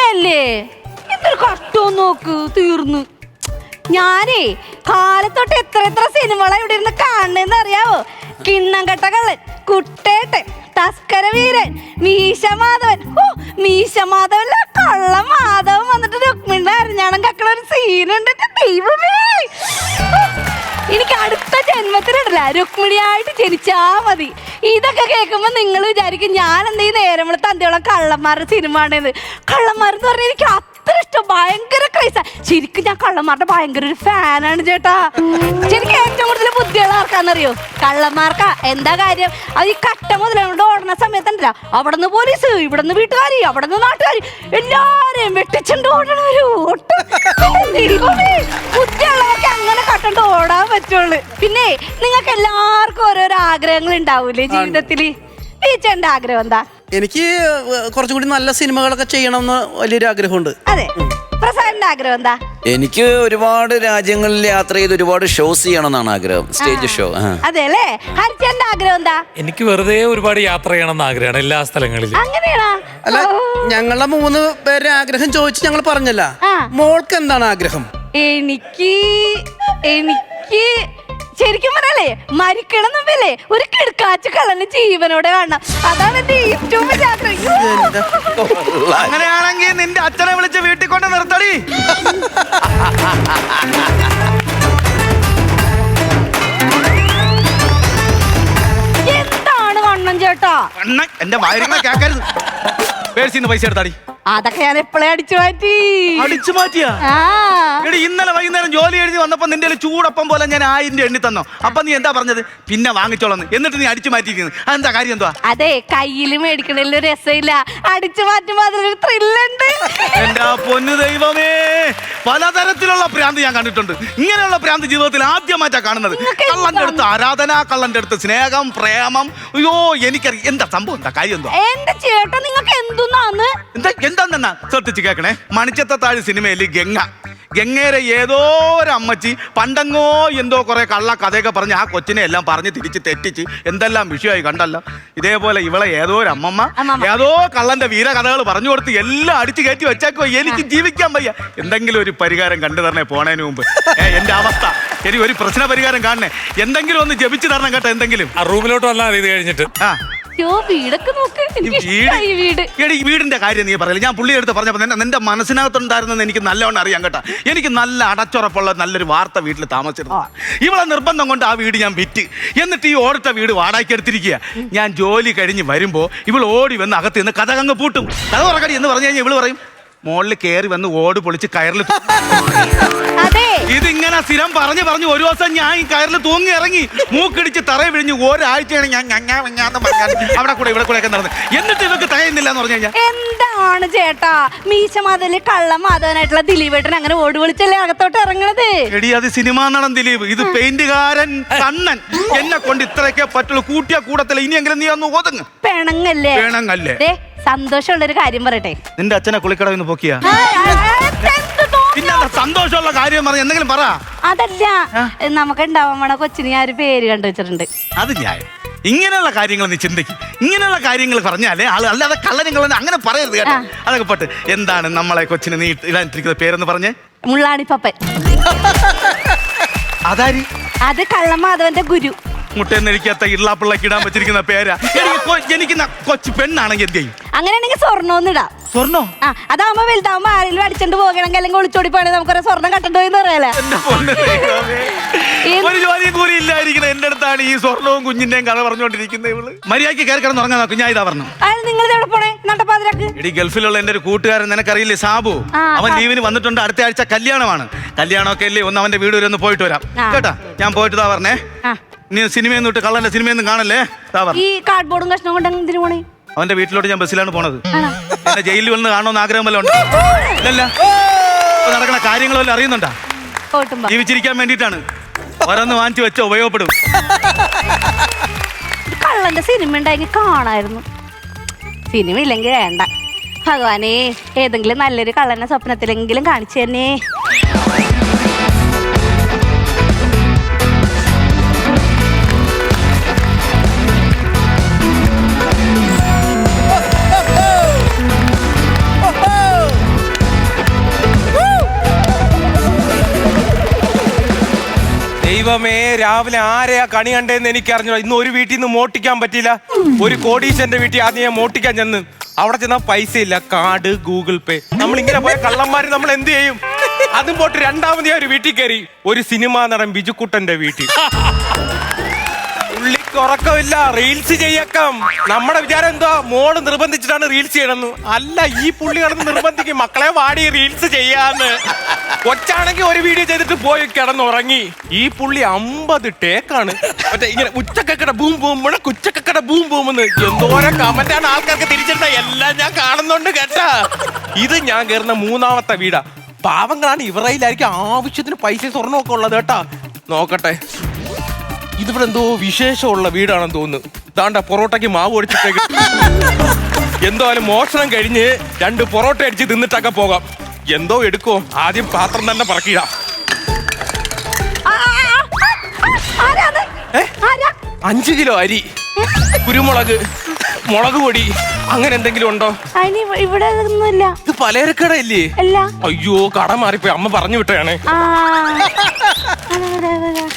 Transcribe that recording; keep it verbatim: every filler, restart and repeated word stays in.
അങ്ങനെയല്ലേ? എന്തൊരു കട്ടോ നോക്ക്, തീർന്നു. ഞാനേ കാലത്തോട്ട് എത്ര എത്ര സിനിമകളെ ഇവിടെ ഇരുന്ന് കാണണെന്ന് അറിയാവോ? കിണ്ണം കെട്ട കള്ളൻ, കുട്ടേട്ടൻ, തസ്കര വീരൻ, മീശ മാധവൻ. ഓ മീശ മാധവല്ല, കള്ള മാധവൻ വന്നിട്ട് രുക്മിണിയുടെ അരഞ്ഞാണം കക്കണ ഒരു സീനുണ്ട്. ദൈവമേ, എനിക്ക് അടുത്ത ജന്മത്തിലിടല്ല രുക്മിണിയായിട്ട് ജനിച്ചാ മതി. ഇതൊക്കെ കേൾക്കുമ്പോ നിങ്ങൾ വിചാരിക്കും ഞാൻ എന്തെങ്കിലും നേരം വിളി തന്തിയോളം കള്ളന്മാരുടെ സിനിമ ആണെന്ന്. കള്ളന്മാരെന്ന് പറഞ്ഞാൽ എനിക്ക് അത്ര ഇഷ്ടം, ഭയങ്കര ക്രൈസാ. ശരിക്കും ഞാൻ കള്ളന്മാരുടെ ഭയങ്കര ഒരു ഫാനാണ് ചേട്ടാ. ശരിക്കും ഏറ്റവും കൂടുതൽ ബുദ്ധിയുള്ള ആർക്കാന്നറിയോ? കള്ളന്മാർക്കാ. എന്താ കാര്യം? അത് ഈ കട്ട മുതലോണ്ട് ഓടുന്ന സമയത്തുണ്ടല്ലോ, അവിടെ നിന്ന് പോലീസ്, ഇവിടെ നിന്ന് വീട്ടുകാരി, അവിടെ നിന്ന് നാട്ടുകാരി, എല്ലാരെയും വെട്ടിച്ചുണ്ട് ഓടണവര്. ബുദ്ധിയുള്ളവർക്ക് അങ്ങനെ കട്ടണ്ട് ഓടാൻ പറ്റുള്ളൂ. പിന്നെ നിങ്ങൾക്ക് എല്ലാവർക്കും ഓരോരോ ആഗ്രഹങ്ങൾ ഉണ്ടാവൂലേ ജീവിതത്തില്? ഈ ചേട്ടന്റെ ആഗ്രഹം എന്താ? എനിക്ക് കുറച്ചും കൂടി നല്ല സിനിമകളൊക്കെ ചെയ്യണമെന്ന് വലിയൊരു ആഗ്രഹമുണ്ട്. അതെ, പ്രസാദിന്റെ ആഗ്രഹം എന്താ? എനിക്ക് ഒരുപാട് രാജ്യങ്ങളിൽ യാത്ര ചെയ്ത് ഒരുപാട് ഷോസ് ചെയ്യണം എന്നാണ് ആഗ്രഹം, സ്റ്റേജ് ഷോ. അതെ അല്ലേ? ഹരിച്ചേട്ടന്റെ ആഗ്രഹം എന്താ? എനിക്ക് വെറുതെ ഒരുപാട് യാത്ര ചെയ്യണം എന്ന് ആഗ്രഹമാണ് എല്ലാ സ്ഥലങ്ങളിലും. അങ്ങനെയാണോ? അല്ല, ഞങ്ങളുടെ മൂന്ന് പേരുടെ ആഗ്രഹം ചോദിച്ച് ഞങ്ങൾ പറഞ്ഞല്ല. മോൾക്ക് എന്താണ് ആഗ്രഹം? എനിക്ക് എനിക്ക് ശരിക്കും പറഞ്ഞാലേ മരിക്കണം മുമ്പല്ലേ ഒരു കിടക്കാച്ച കള്ളന് ജീവനോടെ കാണണം. അതാണ് എന്റെ ഏറ്റവും വലിയ ആഗ്രഹം. അങ്ങനെയാണെങ്കിൽ നിന്റെ അച്ഛനെ വിളിച്ച് വീട്ടിൽ കൊണ്ട് നിർത്തടി. എന്താണ് വണ്ണം ചേട്ടാ? അണ്ണ എന്റെ വയറിനെ കേക്കരുത്. പേഴ്സിന്ന് പൈസ എടുത്താടി. അതൊക്കെ ഞാൻ എപ്പോഴേ അടിച്ചു മാറ്റി. അടിച്ചു മാറ്റിയാ? എടി ഇന്നലെ വൈകുന്നേരം ജോലി എഴുതി വന്നപ്പോ നിന്റെ ചൂടപ്പം പോലെ ഞാൻ ആയിരം രൂപ എണ്ണി തന്നോ. അപ്പൊ നീ എന്താ പറഞ്ഞത്? പിന്നെ വാങ്ങിച്ചോളന്ന്. എന്നിട്ട് നീ അടിച്ചു മാറ്റിയിരിക്കുന്നത് അതെന്താ കാര്യം? എന്തുവാ? അതെ, കയ്യിൽ മേടിക്കണതിൽ രസമില്ല, അടിച്ചു മാറ്റുമ്പോ അതിലൊരു ത്രില്ലുണ്ട്. എന്റെ പൊന്നു ദൈവമേ, പലതരത്തിലുള്ള ഭ്രാന്ത് ഞാൻ കണ്ടിട്ടുണ്ട്. ഇങ്ങനെയുള്ള ഭ്രാന്ത് ജീവിതത്തിൽ ആദ്യമായിട്ടാ കാണുന്നത്. കള്ളന്റെ അടുത്ത് ആരാധന, കള്ളന്റെ അടുത്ത് സ്നേഹം, പ്രേമം. അയ്യോ എനിക്കറിയാം. എന്താ സംഭവം? എന്താ കാര്യം? എന്താ എന്റെ ചേട്ടാ നിങ്ങൾക്ക് എന്തുന്നാന്ന്? എന്താ എന്താ ശ്രദ്ധിച്ച് കേൾക്കണേ. മണിച്ചത്താഴ് സിനിമയിൽ ഗംഗ ഗംഗേരെ ഏതോ ഒരു അമ്മച്ചി പണ്ടങ്ങോ എന്തോ കുറെ കള്ള കഥയൊക്കെ പറഞ്ഞ് ആ കൊച്ചിനെ എല്ലാം പറഞ്ഞ് തിരിച്ച് തെറ്റിച്ച് എന്തെല്ലാം വിഷയമായി കണ്ടല്ല. ഇതേപോലെ ഇവളെ ഏതോ ഒരു അമ്മമ്മ ഏതോ കള്ളന്റെ വീരകഥകൾ പറഞ്ഞു കൊടുത്ത് എല്ലാം അടിച്ചു കയറ്റി വെച്ചേക്കോ. എനിക്ക് ജീവിക്കാൻ വയ്യ. എന്തെങ്കിലും ഒരു പരിഹാരം കണ്ടു തരണേ പോണേന് മുമ്പ്. എന്റെ അവസ്ഥ, എനിക്ക് ഒരു പ്രശ്ന പരിഹാരം കാണണേ. എന്തെങ്കിലും ഒന്ന് ജപിച്ചു തരണം കേട്ടോ. എന്തെങ്കിലും ആ റൂമിലോട്ട് വന്നാൽ ഇത് കഴിഞ്ഞിട്ട്. ആ വീടൊക്കെ നോക്ക്. എടി വീടിന്റെ കാര്യം നീ പറയില്ല. ഞാൻ പുള്ളി എടുത്ത് പറഞ്ഞപ്പോ നിന്റെ മനസ്സിനകത്തുണ്ടായിരുന്നെന്ന് എനിക്ക് നല്ലവണ്ണം അറിയാം കേട്ടോ. എനിക്ക് നല്ല അടച്ചുറപ്പുള്ള നല്ലൊരു വാർത്ത വീട്ടിൽ താമസിച്ചിരുന്നു. ഇവളെ നിർബന്ധം കൊണ്ട് ആ വീട് ഞാൻ വിറ്റ്. എന്നിട്ട് ഈ ഓടിട്ട വീട് വാടകയ്ക്ക് എടുത്തിരിക്കുക. ഞാൻ ജോലി കഴിഞ്ഞ് വരുമ്പോ ഇവൾ ഓടി വന്ന് അകത്ത് നിന്ന് കഥ അങ്ങ് പൂട്ടും. കഥ ഉറക്കടി എന്ന് പറഞ്ഞു കഴിഞ്ഞാൽ ഇവള് പറയും മോളിൽ കയറി വന്ന് ഓട് പൊളിച്ച് കയറിൽ. ഇതിങ്ങനെ സ്ഥിരം പറഞ്ഞു പറഞ്ഞു ഒരു ദിവസം ഞാൻ ഈ കയറിൽ തൂങ്ങി ഇറങ്ങി മൂക്കിടിച്ച് തറ വിഴിഞ്ഞ് ഒരാഴ്ചയാണ് ഞാൻ ഞങ്ങാന്ന് പറഞ്ഞാൽ അവിടെ കൂടെ ഇവിടെ കൂടെ ഒക്കെ നടന്നത്. എന്നിട്ട് ഇവർക്ക് തകയുന്നില്ല എന്ന് പറഞ്ഞു കഴിഞ്ഞാൽ എന്താണ് ചേട്ടാ? മീശ മാധവന് കള്ള മാധവനായിട്ടുള്ള ദിലീപേട്ടൻ അങ്ങനെ ഓട് വിളിച്ചല്ലേ അകത്തോട്ട് ഇറങ്ങണത്? എടി അത് സിനിമാ നടൻ ദിലീപ്, ഇത് പെയിന്റുകാരൻ കണ്ണൻ. എന്നെ കൊണ്ട് ഇത്രയൊക്കെ പറ്റുള്ളൂ. കൂട്ടിയ കൂടത്തില്ല. ഇനിയെങ്കിലും നീ ഒന്ന് ഒതുങ്ങ്. പെണങ്ങല്ലേ? പെണങ്ങല്ലേ? സന്തോഷമുള്ളൊരു കാര്യം പറയട്ടെ. നിന്റെ അച്ഛനെ കുളിക്കടവിന്ന് പൊക്കിയ പിന്നെ സന്തോഷമുള്ള കാര്യം പറഞ്ഞ എന്തെങ്കിലും പറ. അതല്ല, നമുക്ക് ഉണ്ടാവാൻ വേണ കൊച്ചിന് ഞാൻ ഒരു പേര് കണ്ടു വെച്ചിട്ടുണ്ട്. അത് ഞാൻ ഇങ്ങനെയുള്ള കാര്യങ്ങൾ നീ ചിന്തിക്കും. ഇങ്ങനെയുള്ള കാര്യങ്ങൾ പറഞ്ഞാലേ ആള്, അല്ലാതെ കള്ളനും അങ്ങനെ പറയരുത് കേട്ടോ. അതൊക്കെ പോട്ട്. എന്താണ് നമ്മളെ കൊച്ചിന് നീ ഇടാനിട്ടിരിക്കുന്ന പേരെന്ന് പറഞ്ഞേ? മുള്ളാണിപ്പപ്പൻ. അതാരി? അത് കള്ളമാധവന്റെ ഗുരു. മുട്ടയെന്നരിക്കാത്ത ഇള്ളാപ്പിള്ളക്ക് ഇടാൻ വെച്ചിരിക്കുന്ന പേരാ. എനിക്ക് കൊച്ചു പെണ്ണാണെങ്കിൽ എന്ത് ചെയ്യും? അങ്ങനെയാണെങ്കിൽ സ്വർണ്ണോന്നിടാം. സ്വർണ്ണോ? ആ, അതാവുമ്പോ വലുതാവുമ്പോ ആരെങ്കിലും അടിച്ചോണ്ട് പോകണമെങ്കിൽ അല്ലെങ്കിൽ ഒളിച്ചോടി പോകണമെങ്കിൽ നമുക്കൊരു സ്വർണ്ണം കട്ടണ്ടോ എന്ന് പറയാലേ. ഒരു ജോലിയും കൂടി ഇല്ലായിരിക്കണം എന്റെ അടുത്താണ് ഈ സ്വർണ്ണവും കുഞ്ഞിന്റെയും കഥ പറഞ്ഞുകൊണ്ടിരിക്കുന്നത് ഇവള്. മര്യാദയ്ക്ക് കയറി കിടന്ന് ഉറങ്ങാൻ നോക്കും. ഞാൻ ഇതാ പറഞ്ഞു. നിങ്ങൾ എവിടെ പോണേ? നട്ടപ്പാതിരാക്ക്. എടി ഗൾഫിലുള്ള എന്റെ ഒരു കൂട്ടുകാരൻ നിനക്കറിയില്ലേ, സാബു. അവൻ ലീവിന് വന്നിട്ടുണ്ട്. അടുത്ത ആഴ്ച കല്യാണമാണ്. കല്യാണമൊക്കെ അല്ലേ, ഒന്ന് അവന്റെ വീട് വരെ ഒന്ന് പോയിട്ട് വരാം കേട്ടാ. ഞാൻ പോയിട്ട് താ പറഞ്ഞേ. നീ സിനിമയൊന്നും ഇട്ട് കള്ളന്റെ സിനിമയൊന്നും കാണല്ലേ. ഈ കാർഡ്ബോർഡും കഷ്ണം കൊണ്ട് എന്തിനു പോണേ? അവന്റെ വീട്ടിലോട്ട് ഞാൻ ബസ്സിലാണ് പോണത്. എന്നെ ജയിലിൽ വന്ന് കാണണമെന്ന് ആഗ്രഹം വല്ല ഉണ്ട്? ഇല്ലല്ല. നടക്കണ കാര്യങ്ങളെല്ലാം അറിയുന്നുണ്ടാ? ജീവിച്ചിരിക്കാൻ വേണ്ടിയിട്ടാണ്. ഓരോന്ന് വാങ്ങിച്ചു വെച്ചോ, ഉപയോഗപ്പെടും. കള്ളന്റെ സിനിമ ഉണ്ടായെങ്കിൽ കാണായിരുന്നു. സിനിമ ഇല്ലെങ്കിൽ വേണ്ട. ഭഗവാനെ, ഏതെങ്കിലും നല്ലൊരു കള്ളനെ സ്വപ്നത്തിലെങ്കിലും കാണിച്ചു തന്നെ. ദൈവമേ, രാവിലെ ആരെയാ കണി കണ്ടേന്ന് എനിക്കറിഞ്ഞു. ഇന്ന് ഒരു വീട്ടിൽ നിന്ന് മോട്ടിക്കാൻ പറ്റിയില്ല. ഒരു കോടീശ്വരന്റെ വീട്ടിൽ ആദ്യം ഞാൻ മോട്ടിക്കാൻ ചെന്ന് അവിടെ ചെന്നാ പൈസ ഇല്ല, കാർഡ് ഗൂഗിൾ പേ. നമ്മൾ ഇങ്ങനെ പോയ കള്ളന്മാര് നമ്മൾ എന്ത് ചെയ്യും? അതും പോട്ട് രണ്ടാമത് ഞാൻ ഒരു വീട്ടിൽ കയറി, ഒരു സിനിമാ നടൻ ബിജുക്കുട്ടന്റെ വീട്ടിൽ. പുള്ളിക്ക് ഉറക്കമില്ല, റീൽസ് ചെയ്യക്കം. നമ്മുടെ വിചാരം എന്താ, മോള് നിർബന്ധിച്ചിട്ടാണ് റീൽസ് ചെയ്യണമെന്ന്. അല്ല, ഈ പുള്ളി കിടന്ന് നിർബന്ധിക്കും, മക്കളെ വാടി റീൽസ് ചെയ്യാന്ന്. കൊച്ചാണെങ്കിൽ ഒരു വീഡിയോ ചെയ്തിട്ട് പോയി കിടന്നുറങ്ങി. ഈ പുള്ളി അമ്പത് ടേക്കാണ്. മറ്റേ ഇങ്ങനെ ഉച്ചക്കക്കട ബൂം ബൂം ഉച്ചക്കക്കട ബൂം ബൂം എന്ന് എന്തോരം കമന്റാണ് ആൾക്കാർക്ക് തിരിച്ചിരുന്ന. എല്ലാം ഞാൻ കാണുന്നുണ്ട് കേട്ടാ. ഇത് ഞാൻ കയറുന്ന മൂന്നാമത്തെ വീടാ. പാവങ്ങളാണ്, ഇവരയിലായിരിക്കും ആവശ്യത്തിന് പൈസ സ്വർണ്ണമൊക്കെ ഉള്ളത് കേട്ടാ. നോക്കട്ടെ, ഇതിവിടെ എന്തോ വിശേഷമുള്ള വീടാണെന്ന് തോന്നുന്നു. ദാണ്ട പൊറോട്ടയ്ക്ക് മാവ് ഒടിച്ചിട്ടേക്ക്. എന്തായാലും മോഷണം കഴിഞ്ഞ് രണ്ട് പൊറോട്ട അടിച്ച് തിന്നിട്ടൊക്കെ പോകാം. എന്തോ എടുക്കോ, ആദ്യം പാത്രം തന്നെ പറക്കിടാം. അഞ്ചു കിലോ അരി, കുരുമുളക്, മുളക് പൊടി, അങ്ങനെ എന്തെങ്കിലും ഉണ്ടോ? ഇവിടെ ഒന്നുമില്ല. ഇത് പലചരക്കട ഇല്ലേ? അല്ല. അയ്യോ, കട മാറിപ്പോയി, അമ്മ പറഞ്ഞു വിട്ടയാണ്.